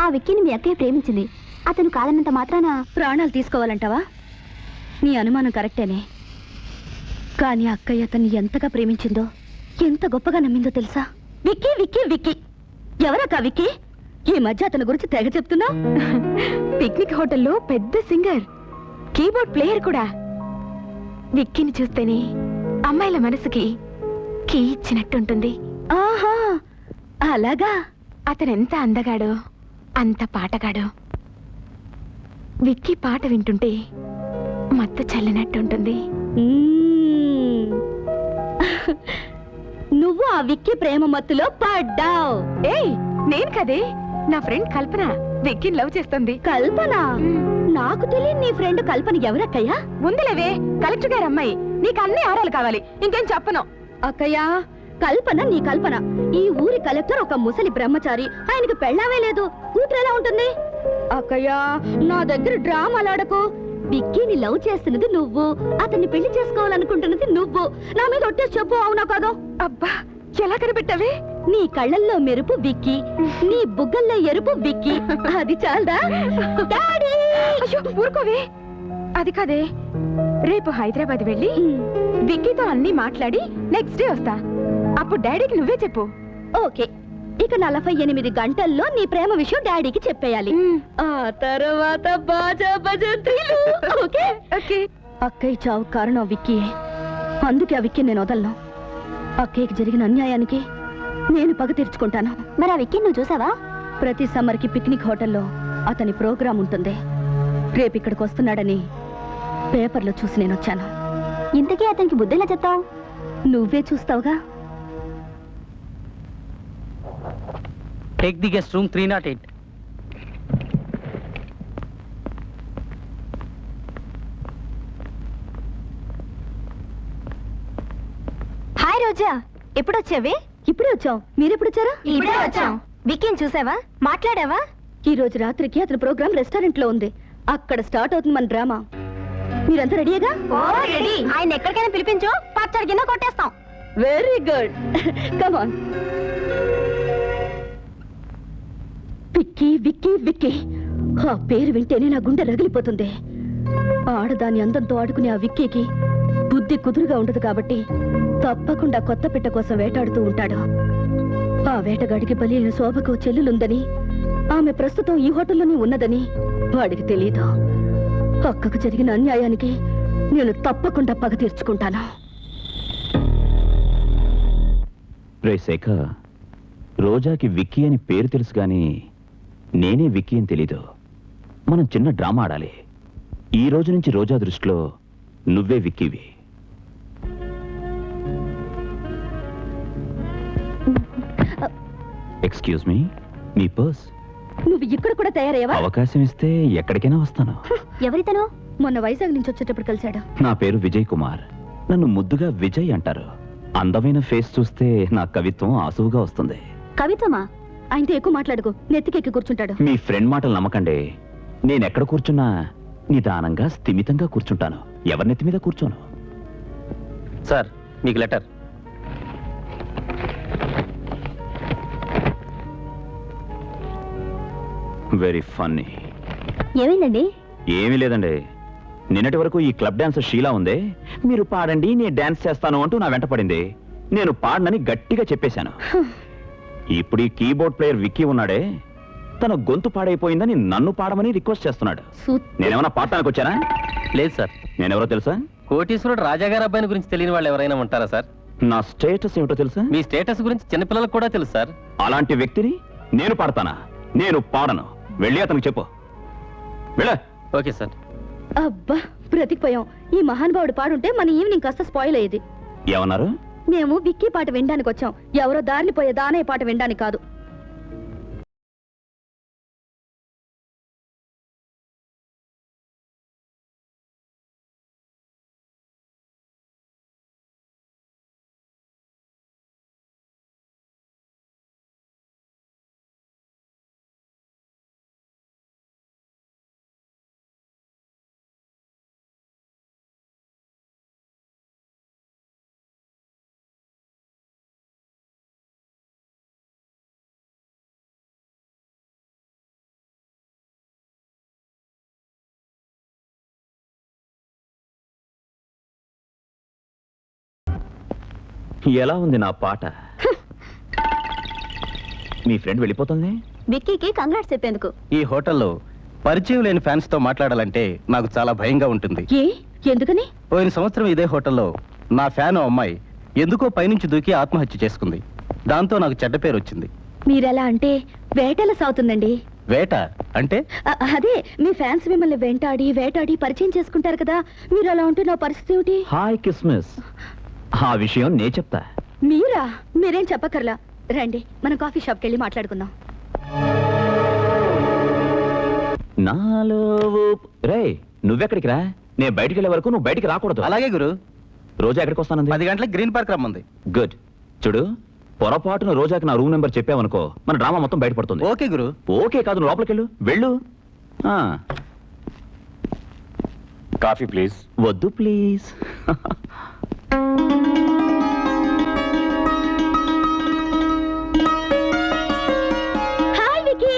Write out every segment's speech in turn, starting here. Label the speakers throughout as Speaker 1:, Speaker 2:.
Speaker 1: ఆ విక్కీని మీ అక్కయ్య ప్రేమించింది. అతను కాదన్నంత మాత్రాన ప్రాణాలు తీసుకోవాలంటావా? నీ అనుమానం కరెక్టేనే, కానీ అక్కయ్య అతన్ని ఎంతగా ప్రేమించిందో, ఎంత గొప్పగా నమ్మిందో తెలుసా? విక్కీ విక్కీ విక్కీ, ఎవరక్క విక్కీ? ఈ మధ్య అతని గురించి తెగ చెప్తున్నా. పిక్నిక్ హోటల్లో పెద్ద సింగర్, కీబోర్డ్ ప్లేయర్ కూడా. విక్కీని చూస్తేనే అమ్మాయిల మనసుకి కీ ఇచ్చినట్టుంటుంది. ఆహా, అలాగా? అతనెంత అందగాడో అంత పాటగాడు. విక్కీ పాట వింటుంటే మత్తు చల్లినట్టుంటుంది. నువ్వు ఆ విక్కీ ప్రేమ మత్తులో పడ్డావు. ఏయ్, నేను కదే, నా ఫ్రెండ్ కల్పన విక్కీని లవ్ చేస్తుంది. కల్పన? నాకు తెలియని నీ ఫ్రెండ్ కల్పన ఎవరక్కయ్యా? ముందులేవే, కలెక్టర్ గారు అమ్మాయి. నీకు అన్ని ఆరాలు కావాలి, ఇంకేం చెప్పను. అక్కయ్యా, కల్పన నీ కల్పన. ఈ ఊరి కలెక్టర్ ఒక ముసలి బ్రహ్మచారి, ఆయనకి పెళ్ళామే లేదు, కూతురు ఎలా ఉంటుంది? అక్కయ్యా, నా దగ్గర డ్రామాలాడకు. విక్కీని లవ్ చేస్తున్నది నువ్వు, అతన్ని పెళ్లి చేసుకోవాలనుకుంటున్నది నువ్వు. నా మీద ఒట్టేసి చెప్పు, అవునా కాదో? అబ్బా, ఎలా కనిపెట్టావే? నీ కళ్ళల్లో మెరుపు విక్కీ, నీ బుగ్గల్లో ఎరుపు విక్కీ. అది చాలదా? ఊరుకోవే. అది కాదే, రేపు హైదరాబాద్ వెళ్ళి విక్కీతో అన్ని మాట్లాడి నెక్స్ట్ డే వస్తా. అప్పుడు డాడీకి నువ్వే చెప్పు. ఓకే. ఇక 48 గంటల్లో నీ ప్రేమ విషయం డాడీకి చెప్పేయాలి. ఆ తర్వాత బాజా భజంత్రీలు. Okay okay. అక్కయ్య చావు కారణం విక్కీయే, అందుకే ఆ విక్కీ నేను వదలను. అక్కయ్యకి జరిగిన అన్యాయానికి నేను పగ తీర్చుకుంటాను. మరి ఆ విక్కీ నువ్వు చూసావా? ప్రతి సమ్మర్కి పిక్నిక్ హోటల్లో అతని ప్రోగ్రాం ఉంటుంది. రేపు ఇక్కడికి వస్తున్నాడని పేపర్లో చూసి నేను వచ్చాను. ఇంతకీ అతనికి బుద్ధెలా చెప్తావు? నువ్వే చూస్తావుగా.
Speaker 2: Take the guest room 308.
Speaker 1: హాయ్ రోజా, ఎప్పుడు వచ్చావే? ఇప్పుడే వచ్చాం. మీరెప్పుడు వచ్చారా? ఇప్పుడే వచ్చాం. విక్కీని చూసావా? మాట్లాడావా? ఈ రోజు రాత్రికి అతని ప్రోగ్రామ్ రెస్టారెంట్ లో ఉంది. అక్కడ స్టార్ట్ అవుతుంది మన డ్రామా. మీరంతా రెడీగా? ఆయన ఎక్కడికైనా పిలిపించు, పచ్చడి కింద కొట్టేస్తాం. Very good, come on. Vicky Vicky Vicky, ఆ పేరు వింటేనే నా గుండె రగిలిపోతుంది. ఆడదాని అందంతో ఆడుకునే ఆ విక్కీకి బుద్ధి కుదురుగా ఉండదు కాబట్టి తప్పకుండా కొత్త పిట్ట కోసం వేటాడుతూ ఉంటాడు. ఆ వేటగాడికి బలి అయిన శోభకు చెల్లులుందని, ఆమె ప్రస్తుతం ఈ హోటల్లోనే ఉన్నదని వాడికి తెలియదు. అక్కకు జరిగిన అన్యాయానికి నేను తప్పకుండా పగ తీర్చుకుంటాను.
Speaker 3: రే శేఖర్, రోజాకి విక్కీ అని పేరు తెలుసు గాని నేనే విక్కీ అని తెలీదు. మనం చిన్న డ్రామా ఆడాలి. ఈ రోజు నుంచి రోజా దృష్టిలో నువ్వే విక్కీవి. ఎక్స్క్యూజ్ మీ, మీ పర్స్.
Speaker 1: నువ్వు ఇక్కడ కూడా తయారయ్యావా?
Speaker 3: అవకాశం ఇస్తే ఎక్కడికైనా వస్తాను.
Speaker 1: ఎవరితను? మొన్న వైజాగ్ నుంచి వచ్చేటప్పుడు కలిశాడు.
Speaker 3: నా పేరు విజయ్ కుమార్. నన్ను ముద్దుగా విజయ్ అంటారు. అందమైన ఫేస్ చూస్తే నా కవిత్వం ఆసువుగా వస్తుంది.
Speaker 1: కవిత్వమా? ఆయనతో ఎక్కువ మాట్లాడుకో, నెత్తికెక్కి కూర్చుంటాడు.
Speaker 3: మీ ఫ్రెండ్ మాటలు నమ్మకండి. నేనెక్కడ కూర్చున్నా నిదానంగా స్థిమితంగా కూర్చుంటాను. ఎవరి నెత్తి మీద కూర్చోను.
Speaker 2: సార్, మీకు లెటర్.
Speaker 3: Very funny.
Speaker 1: ఏమైందండి?
Speaker 3: ఏమీ లేదండి. నిన్నటి వరకు ఈ క్లబ్ డాన్సర్ షీలా ఉందే, మీరు పాడండి నేను డాన్స్ చేస్తాను అంటూ నా వెంట పడింది. నేను పాడనని గట్టిగా చెప్పేశాను. ఇప్పుడు ఈ కీబోర్డ్ ప్లేయర్ విక్కీ ఉన్నాడే, తన గొంతు పాడైపోయిందని నన్ను పాడమని రిక్వెస్ట్ చేస్తున్నాడు. నేనేమన్నా పాడటానికి వచ్చానా?
Speaker 2: లేదు సార్.
Speaker 3: నేనెవరో తెలుసా?
Speaker 2: కోటీశ్వరుడు రాజాగారి అబ్బాయిని గురించి తెలియని వాళ్ళు ఎవరైనా ఉంటారా సార్?
Speaker 3: నా స్టేటస్ ఏమిటో తెలుసా?
Speaker 2: మీ స్టేటస్ గురించి చిన్నపిల్లలకు కూడా తెలుసు సార్.
Speaker 3: అలాంటి వ్యక్తిని నేను పాడతానా? నేను పాడను. వెళ్ళి అతనికి చెప్పు. వెళ్ళ.
Speaker 2: Okay sir.
Speaker 1: అబ్బా, బ్రతికిపోయాం. ఈ మహానుభావుడు పాడుంటే మన ఈవినింగ్ కాస్త స్పాయిల్ అయ్యేది.
Speaker 3: ఏమన్నారు?
Speaker 1: మేము విక్కీ పాట వినడానికి వచ్చాం, ఎవరో దారిని పోయే దానయ్య పాట వినడానికి కాదు.
Speaker 3: ఎలా ఉంది నా పాట? మీ ఫ్రెండ్ వెళ్ళిపోతుంది.
Speaker 1: విక్కీకి కంగ్రాట్స్ చెప్పేందుకు.
Speaker 4: ఈ హోటల్లో పరిచయం లేని ఫ్యాన్స్ తో మాట్లాడాలంటే నాకు చాలా భయంగా ఉంటుంది.
Speaker 1: ఏ ఎందుకని?
Speaker 4: పోయిన సంవత్సరం ఇదే హోటల్లో నా ఫ్యాన్ అమ్మాయి ఎందుకో పైనుంచి దూకి ఆత్మహత్య చేసుకుంది. దాంతో నాకు చెడ్డ పేరు వచ్చింది.
Speaker 1: మీరెలా అంటే వేటల సాగుతుందండి.
Speaker 4: వేట అంటే?
Speaker 1: అదే మీ ఫ్యాన్స్ మిమ్మల్ని వేటాడి పరిచయం చేసుకుంటారు కదా, మీరు అలా ఉంటే నా పరిస్థితి ఏమిటి?
Speaker 3: హాయ్ కిస్మిస్, ఆ విషయం నే చెప్తా.
Speaker 1: మీరా? మీరేం చెప్పకర్లా, రండి మనం కాఫీ షాప్కి వెళ్ళి మాట్లాడుకుందాం.
Speaker 3: నాలో రే, నువ్వెక్కడికి రా, నేను బయటికి వెళ్ళే వరకు నువ్వు బయటికి రాకూడదు.
Speaker 4: అలాగే గురు.
Speaker 3: రోజా ఎక్కడికి వస్తానంది?
Speaker 4: 10 గంటలకు గ్రీన్ పార్క్ రమ్మంది.
Speaker 3: గుడ్. చూడు, పొరపాటున రోజాకి నా రూమ్ నెంబర్ చెప్పావనుకో మన డ్రామా మొత్తం బయటపడుతుంది.
Speaker 4: ఓకే గురు.
Speaker 3: ఓకే కాదు, నువ్వు లోపలికి వెళ్ళు.
Speaker 5: Coffee please.
Speaker 3: వద్దు ప్లీజ్.
Speaker 1: హాయ్ వికీ.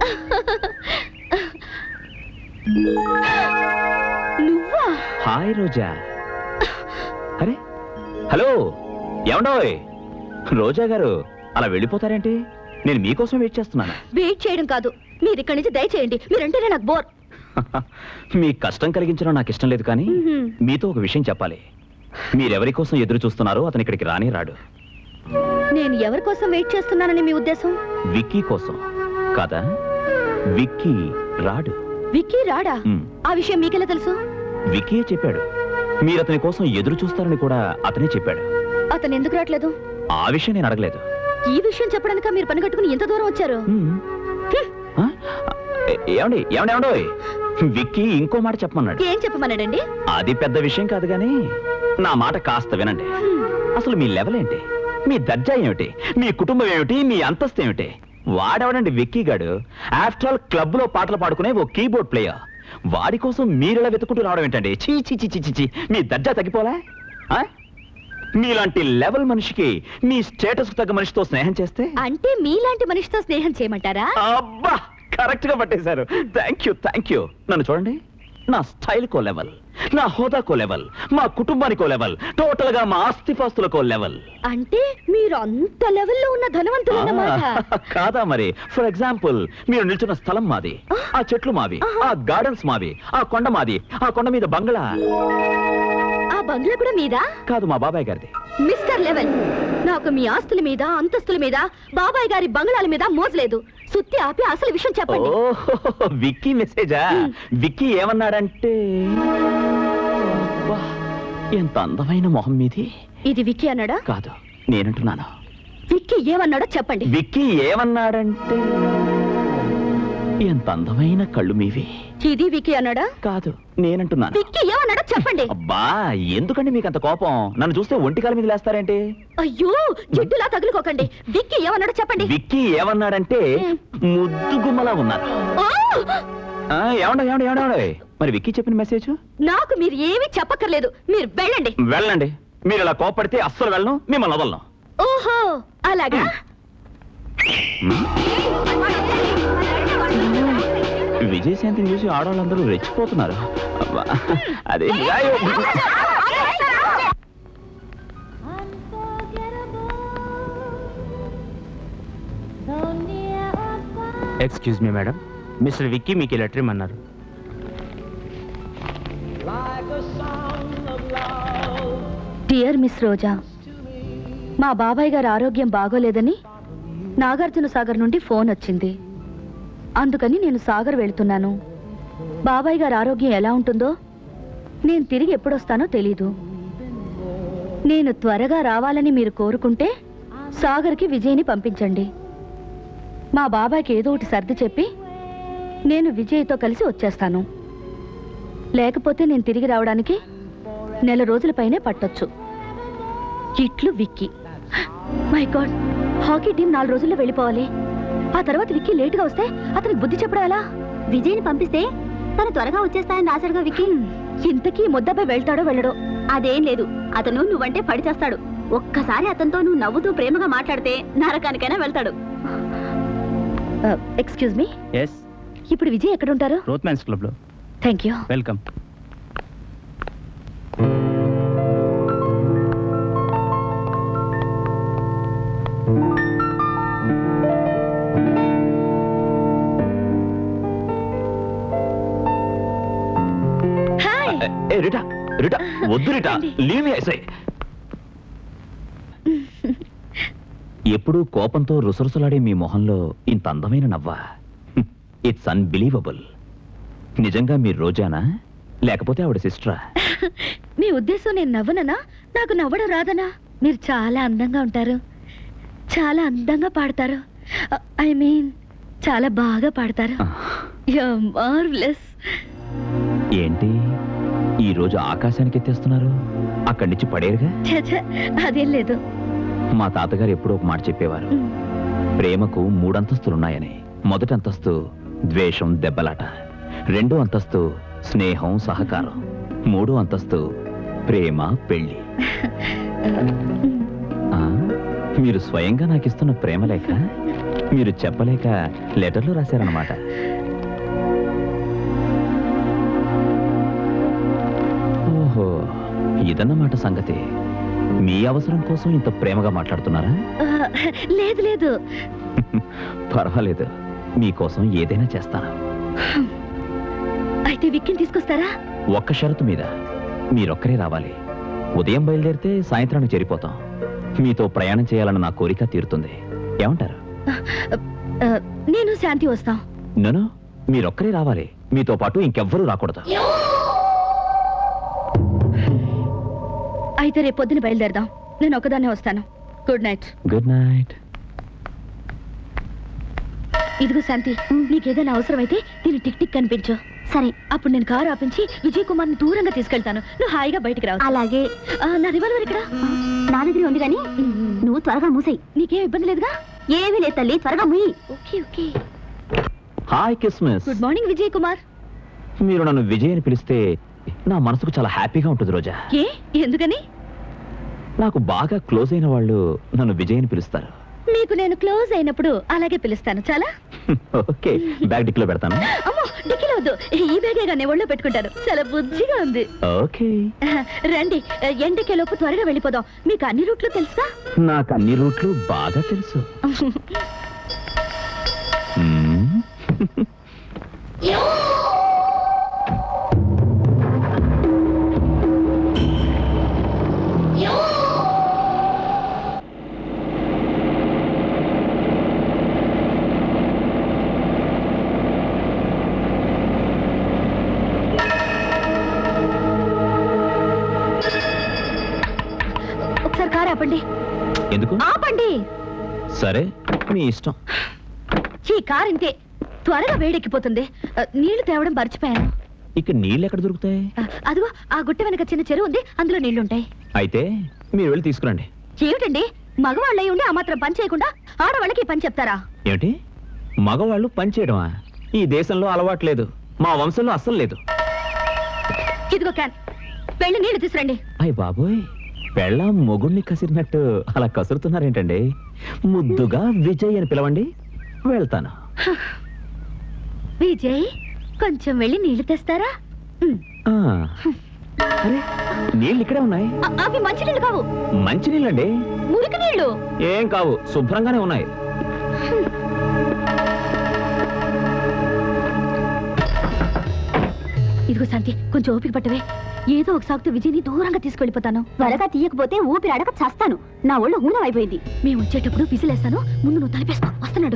Speaker 1: నువ్వా?
Speaker 3: హాయ్ రోజా. అరే హలో, ఏమండోయ్ రోజా గారు, అలా వెళ్ళిపోతారేంటి? నేను మీకోసం వెయిట్ చేస్తున్నాను.
Speaker 1: వెయిట్ చేయడం కాదు, మీరు ఇక్కడి నుంచి దయచేయండి. మీరంటేనే నాకు బోర్.
Speaker 3: మీ కష్టం కలిగించడం నాకు ఇష్టం లేదు, కానీ మీతో ఒక విషయం చెప్పాలి. మీరెవరి కోసం ఎదురు చూస్తున్నారో అతను ఇక్కడికి రానే రాడు.
Speaker 1: నేను ఎవరి కోసం వెయిట్ చేస్తున్నానని మీ ఉద్దేశం?
Speaker 3: విక్కీ కోసం కాదా? విక్కీ రాడు.
Speaker 1: విక్కీ రాడా? ఆ విషయం మీకెలా తెలుసు?
Speaker 3: విక్కీయే చెప్పాడు. మీరు అతని కోసం ఎదురు చూస్తారని కూడా అతనే చెప్పాడు.
Speaker 1: అతను ఎందుకు రావట్లేదు?
Speaker 3: ఆ విషయం నేను అడగలేదు.
Speaker 1: ఈ విషయం చెప్పడానిక మీరు పని కట్టుకుని ఎంత దూరం వచ్చారు?
Speaker 3: ఆ? ఏమండి ఏమండి ఏమండోయ్, విక్కీ ఇంకో మాట చెప్పమన్నాడు.
Speaker 1: ఏం చెప్పమన్నాడండి?
Speaker 3: అది పెద్ద విషయం కాదు, గానీ నా మాట కాస్త వినండి. అసలు మీ లెవెల్ ఏంటి? మీ దర్జా ఏమిటి? మీ కుటుంబం ఏమిటి? మీ అంతస్తు ఏమిటి? వాడెవడండి విక్కీ గాడు? ఆఫ్టర్ ఆల్ క్లబ్ లో పాటలు పాడుకునే ఓ కీబోర్డ్ ప్లేయర్. వాడి కోసం మీరెలా వెతుకుంటూ రావడం ఏంటండి? చీ చీ చీ చీ చీ, మీ దర్జా తగ్గిపోలే? మీలాంటి లెవెల్ మనిషికి మీ స్టేటస్ తగ్గ మనిషితో స్నేహం చేస్తే?
Speaker 1: అంటే మీలాంటి మనిషితో స్నేహం చేయమంటారా?
Speaker 3: అబ్బా, కరెక్ట్ గా పట్టేశారు. Thank you. నన్ను చూడండి, నా స్టైల్ కో లెవెల్, నా హోదాకో లెవెల్, మా కుటుంబానికో లెవెల్, టోటల్ గా మా ఆస్తిపాస్తులకో లెవెల్.
Speaker 1: అంటే మీరు అంత లెవెల్లో ఉన్న ధనవంతులన్నమాట.
Speaker 3: కాదా మరి? ఫర్ ఎగ్జాంపుల్, మీరు నిల్చున్న స్థలం మాది, ఆ చెట్లు మావి, ఆ గార్డెన్స్ మావి, ఆ కొండ మాది, ఆ కొండ మీద బంగ్లా.
Speaker 1: ఆ బంగ్లా కూడా మీదా?
Speaker 3: కాదు, మా బాబాయ్ గారిది.
Speaker 1: మిస్టర్ లెవెల్, నాకు మీ ఆస్తుల మీద అంతస్తుల మీద బాబాయ్ గారి బంగ్లాల మీద మోజలేదు. సుత్తి ఆపి అసలు విషయం చెప్పండి.
Speaker 3: ఓ విక్కీ మెసేజా? విక్కీ ఏమన్నాడంటే, అబ్బా, ఎంత అందమైన మొహం మీది.
Speaker 1: ఇది విక్కీ అన్నాడా?
Speaker 3: కాదు, నేనంటున్నాను.
Speaker 1: విక్కీ ఏమన్నాడో చెప్పండి.
Speaker 3: విక్కీ ఏమన్నాడంటే, ఎంత అందమైన కళ్ళు మీవి.
Speaker 1: ఇది విక్కీ అన్నాడా?
Speaker 3: కాదు, నేనంటున్నాను.
Speaker 1: విక్కీ ఏమన్నాడో చెప్పండి.
Speaker 3: అబ్బా, ఎందుకండి మీకు అంత కోపం? నన్ను చూస్తే ఒంటికాల మీద లేస్తారేంటి?
Speaker 1: అయ్యో, జిడ్డులా తగులుకోకండి. విక్కీ ఏమన్నాడో చెప్పండి.
Speaker 3: విక్కీ ఏమన్నాడంటే, ముద్దు గుమ్మలా ఉన్నారు.
Speaker 1: ఓ!
Speaker 3: ఏమండే మరి విక్కీ చెప్పిన మెసేజ్?
Speaker 1: నాకు మీరు ఏమీ చెప్పక్కర్లేదు, మీరు వెళ్ళండి.
Speaker 3: వెళ్ళండి. మీరు ఇలా కోపడితే అస్సలు వెళ్ళను, మిమ్మల్ని వదలను.
Speaker 1: ఓహో, అలాగా?
Speaker 3: విజయశాంతిని చూసి ఆడవాళ్ళందరూ రెచ్చిపోతున్నారు. అబ్బా, అదే
Speaker 2: excuse me madam, mister Vicky మీకు లెటర్ ఇమ్మన్నారు.
Speaker 1: డియర్ మిస్ రోజా, మా బాబాయ్ గారి ఆరోగ్యం బాగోలేదని నాగార్జున సాగర్ నుండి ఫోన్ వచ్చింది. అందుకని నేను సాగర్ వెళ్తున్నాను. బాబాయ్ గారి ఆరోగ్యం ఎలా ఉంటుందో, నేను తిరిగి ఎప్పుడొస్తానో తెలీదు. నేను త్వరగా రావాలని మీరు కోరుకుంటే సాగర్కి విజయ్ని పంపించండి. మా బాబాయ్కి ఏదో ఒకటి సర్ది చెప్పి నేను విజయ్తో కలిసి వచ్చేస్తాను. లేకపోతే నేను తిరిగి రావడానికి నెల రోజుల పైనే పట్టొచ్చు. ఇట్లు Vicky. My god, hockey team 4 రోజుల్లో వెళ్ళిపోవాలి. ఆ తర్వాత విక్కీ లేటుగా వస్తే అతనికి బుద్ధి చెప్పడం ఎలా? విజయ్ని పంపిస్తే తను త్వరగా వచ్చేస్తాయని రాశాడుగా విక్కీ. ఇంతకీ ముద్దపై వెళ్తాడో వెళ్ళడో? అదేం లేదు, అతను నువ్వంటే పడి చేస్తాడు. ఒక్కసారి అతనితో నువ్వు నవ్వుతూ ప్రేమగా మాట్లాడితే నరకానికైనా వెళ్తాడు. ఎక్స్క్యూజ్ మీ,
Speaker 2: ఎస్,
Speaker 1: ఇప్పుడు విజయ్ ఎక్కడ ఉంటారు?
Speaker 2: రోత్మ్యాన్స్ క్లబ్ లో.
Speaker 1: Thank you.
Speaker 2: వెల్కమ్.
Speaker 3: ఏ రిటా రిటా వద్దు రిటా లీవ్ మీ ఐసై. ఎప్పుడూ కోపంతో రుసరుసలాడే మీ మొహంలో ఇంత అందమైన నవ్వా? It's unbelievable. నిజంగా మీరు రోజానా లేకపోతే ఆవిడ సిస్టరా?
Speaker 1: మీ ఉద్దేశం నేను నవ్వననా? నాకు నవ్వడం రాదనా? మీరు చాలా అందంగా ఉంటారు, చాలా అందంగా పాడతారు. ఐ మీన్ చాలా బాగా పాడతారు. మార్వెలస్.
Speaker 3: ఏంటి ఈ రోజు ఆకాశానికి ఎత్తేస్తున్నారు? అక్కడి నుంచి పడేరుగా?
Speaker 1: అదేం లేదు.
Speaker 3: మా తాతగారు ఎప్పుడో ఒక మాట చెప్పేవారు, ప్రేమకు 3 అంతస్తులున్నాయని. మొదటి అంతస్తు ద్వేషం దెబ్బలాట, 2వ అంతస్తు స్నేహం సహకారం, 3వ అంతస్తు ప్రేమ పెళ్లి. ఆ, మీరు స్వయంగా నాకు ఇస్తున్న ప్రేమ లేఖ మీరు చెప్పలేక లెటర్లో రాశారన్నమాట. ఓహో, ఇదన్నమాట సంగతి. మీ అవసరం కోసం ఇంత ప్రేమగా మాట్లాడుతున్నారా?
Speaker 1: లేదు లేదు.
Speaker 3: పర్వాలేదు, మీకోసం ఏదైనా చేస్తాను.
Speaker 1: అయితే విక్కిని తీసుకొస్తారా?
Speaker 3: ఒక్క షరతు మీద. మీరొక్కరే రావాలి. ఉదయం బయలుదేరితే సాయంత్రానికి చేరిపోతాం. మీతో ప్రయాణం చేయాలన్న నా కోరిక తీరుతుంది. ఏమంటారు?
Speaker 1: నేను శాంతి వస్తాం.
Speaker 3: నన్ను మీరొక్కరే రావాలి. మీతో పాటు ఇంకెవ్వరూ రాకూడదు.
Speaker 1: అయితే రేపు పొద్దున బయలుదేరదాం. నేను ఒకదాన్నే వస్తాను. Good night.
Speaker 3: Good night.
Speaker 1: ఇదిగో శాంతి, నీకేదైనా అవసరమైతే దీన్ని టిక్ టిక్ కనిపించు. సరే, అప్పుడు నేను కారు ఆపించి విజయ్ కుమార్ ని దూరంగా తీసుకెళ్తాను. నువ్వు హాయిగా బయటికి రావు. అలాగే. నా రివాల్వర్ ఇక్కడ నా దగ్గర ఉంది, కానీ నువ్వు త్వరగా మూసేయి. నీకేం ఇబ్బంది లేదుగా? ఏమీ లేదు తల్లి, త్వరగా మూయి. Okay okay.
Speaker 3: Hi Christmas.
Speaker 1: Good morning Vijay Kumar.
Speaker 3: మీరు నన్ను విజయ్ అని పిలిస్తే నా మనసుకు చాలా హ్యాపీగా ఉంటుంది రోజా.
Speaker 1: ఏ ఎందుకని?
Speaker 3: నాకు బాగా క్లోజ్ అయిన వాళ్ళు నన్ను విజయ్ అని పిలుస్తారు.
Speaker 1: మీకు నేను క్లోజ్ అయినప్పుడు అలాగే పిలుస్తాను. చాలా
Speaker 3: ఓకే, బ్యాగ్ డిక్లో పెడతాను.
Speaker 1: అమ్మో, డిక్కీలో వద్దు, ఈ బ్యాగే నేను ఒళ్ళో పెట్టుకుంటాను. చాలా బుజ్జిగా ఉంది.
Speaker 3: ఓకే
Speaker 1: రండి, ఎండకేలోపు త్వరగా వెళ్ళిపోదాం. మీకు అన్ని రూట్లు తెలుసా?
Speaker 3: నాకు అన్ని రూట్లు బాగా తెలుసు.
Speaker 1: ఒకసారి కారు ఆపండి.
Speaker 3: ఎందుకు
Speaker 1: ఆపండి.
Speaker 3: సరే, మీ ఇష్టం.
Speaker 1: ఈ కారు ఇంతే, త్వరగా వేడెక్కిపోతుంది. నీళ్లు తేవడం మర్చిపోయాను.
Speaker 3: ఇక నీళ్ళు ఎక్కడ దొరుకుతాయి?
Speaker 1: అదిగో ఆ గుట్ట వెనక చిన్న చెరువు ఉంది, అందులో నీళ్లుంటాయి.
Speaker 3: అయితే మీరు వెళ్ళి తీసుకురండి.
Speaker 1: ఏమిటండి, మగవాళ్ళై ఉండి ఆ మాత్రం పని చేయకుండా ఆడవాళ్ళకి పని చెప్తారా?
Speaker 3: ఏమిటి, మగవాళ్ళు పని చేయడమా? ఈ దేశంలో అలవాట్లేదు, మా వంశంలో అస్సలు లేదు.
Speaker 1: ఇదిగో క్యాన్, వెళ్ళి నీళ్లు తీసురండి.
Speaker 3: అయ్య బాబోయ్, పెళ్ళాం మొగుణ్ణి కసిరినట్టు అలా కసురుతున్నారేంటండి? ముద్దుగా విజయ్ అని పిలవండి, వెళ్తాను.
Speaker 1: విజయ్, కొంచెం వెళ్ళి నీళ్లు తెస్తారా?
Speaker 3: ఆ, అరే, నీళ్ళు ఇక్కడే ఉన్నాయి.
Speaker 1: అవి మంచి నీళ్లు కావు.
Speaker 3: మంచి నీళ్ళండి.
Speaker 1: మురికి నీళ్లు
Speaker 3: ఏం కావు, శుభ్రంగానే ఉన్నాయి.
Speaker 1: ఇదిగో శాంతి, కొంచెం ఓపిక పట్టవే. ఏదో ఒక సాగుతూ విజయ్ని దూరంగా తీసుకెళ్ళిపోతాను. త్వరగా తీయకపోతే ఊపిరి అడగ చేస్తాను. నా ఒళ్ళు ఊనం అయిపోయింది. మేము వచ్చేటప్పుడు విసిలేస్తాను, ముందు నువ్వు తలిపేసుకో. వస్తున్నాడు.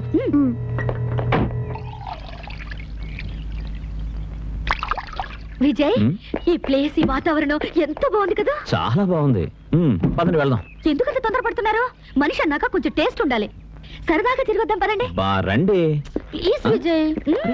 Speaker 1: విజయ్, ఈ ప్లేస్, ఈ వాతావరణం ఎంత బాగుంది కదా?
Speaker 3: చాలా బాగుంది. పదండి వెళ్దాం.
Speaker 1: ఎందుకంత తొందరపడుతున్నారు? మనిషి అన్నాక కొంచెం టేస్ట్ ఉండాలి. సరదాగా తిరిగొద్దాం, పదండి.
Speaker 3: బా రండి.
Speaker 1: ప్లీజ్ విజయ్.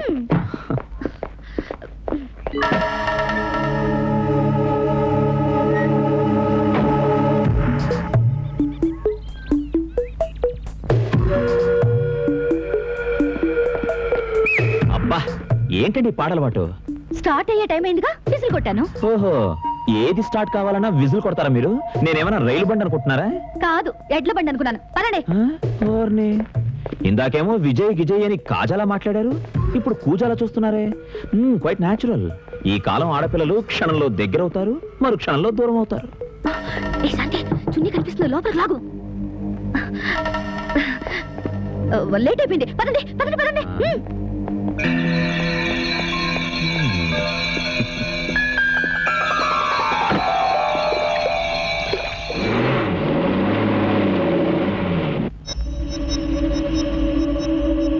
Speaker 3: అబ్బా, ఏంటండి పాటలవాటు?
Speaker 1: స్టార్ట్ అయ్యే టైం అయిందిగా, విజిల్ కొట్టాను.
Speaker 3: ఓహో, ఏది స్టార్ట్ కావాలన్నా విజిల్ కొడతారా మీరు? నేనేమన్నా రైలు బండి అనుకుంటున్నారా?
Speaker 1: కాదు, ఎడ్ల బండి అనుకున్నాను. పదండి.
Speaker 3: ఓర్ని, ఇందాకేమో విజయ్ గిజయ్ అని కాజాలా మాట్లాడారు, ఇప్పుడు కూజాలా చూస్తున్నారే. Quite natural. ఈ కాలం ఆడపిల్లలు క్షణంలో దగ్గరవుతారు, మరు క్షణంలో దూరం అవుతారు.
Speaker 1: ఏ శాంతి, చున్నీ కనిపిస్తుంది, లోపలికి లాగు. లేట్ అయిపోయింది, పదండి పదండి పదండి.